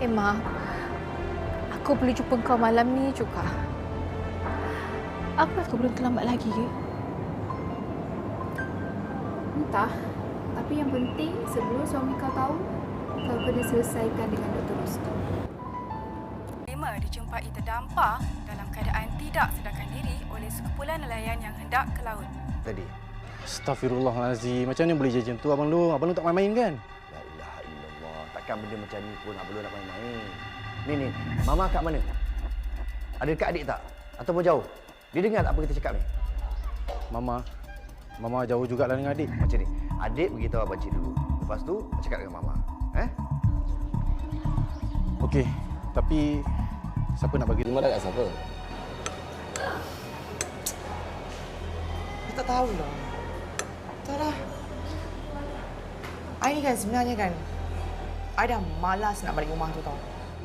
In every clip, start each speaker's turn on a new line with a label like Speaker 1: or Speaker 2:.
Speaker 1: Mak, aku boleh jumpa kau malam ni juga. Apa kau belum terlambat lagi ke?
Speaker 2: Entah. Tapi yang penting sebelum suami kau tahu, kau kena selesaikan dengan Dr. Rostam.
Speaker 3: Lima dijumpai terdampar dalam keadaan tidak sedarkan diri oleh sekumpulan nelayan yang hendak ke laut.
Speaker 4: Tadi.
Speaker 5: Astaghfirullahalazim. Macam mana boleh jadi macam tu abang Long? Abang Long tak main-main kan?
Speaker 4: La ilaha illallah. Takkan benda macam ni pun Abang Long nak main-main. Ni, Mama kat mana? Ada dekat adik tak? Ataupun jauh? Dia dengar tak apa kita cakap ni?
Speaker 5: Mama jauh jugalah dengan adik.
Speaker 4: Macam ni. Adik beritahu Abang Cik dulu. Lepas tu, cakap dengan Mama.
Speaker 5: Okey. Tapi siapa nak bagi?
Speaker 6: Terima dah kat siapa?
Speaker 7: Aku tak tahulah. Tak lah. I ni kan sebenarnya kan, I dah malas nak balik rumah tu tau.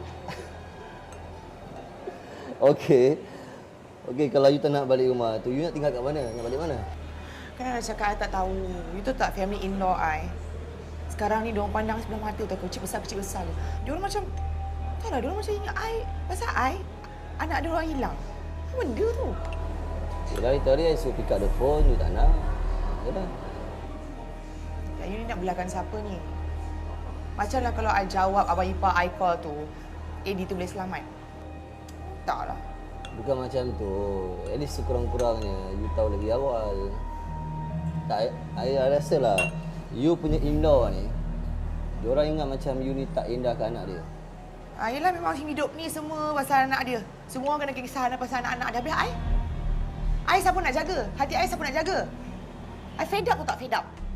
Speaker 6: Okey. Okey, kalau you tak nak balik rumah tu, you nak tinggal kat mana? Nak balik mana?
Speaker 7: Kan I dah cakap I tak tahu. You tu tak family in-law I. Sekarang ni diorang pandang sebelah mata tau, kecil besar. Diorang macam, tak lah, diorang macam ingat I. Pasal I, anak diorang hilang. Apa benda tu?
Speaker 6: Dari tadi I suruh pick up the phone, you tak nak. Yalah.
Speaker 7: Ya, you ni nak belakang siapa ni? Macamlah kalau I jawab abang ipar I call tu, Eddie tu boleh selamat. Tak lah.
Speaker 6: Bukan macam tu. At least sekurang-kurangnya you tahu lebih awal. Tak, I rasa lah you punya in-law ni, diorang ingat macam you ni tak indah ke anak dia.
Speaker 7: Yelah memang hidup ni semua pasal anak dia. Semua orang kena kisah pasal anak-anak dia. Habis I siapa nak jaga? Hati I siapa nak jaga? I fed up tu tak fed up?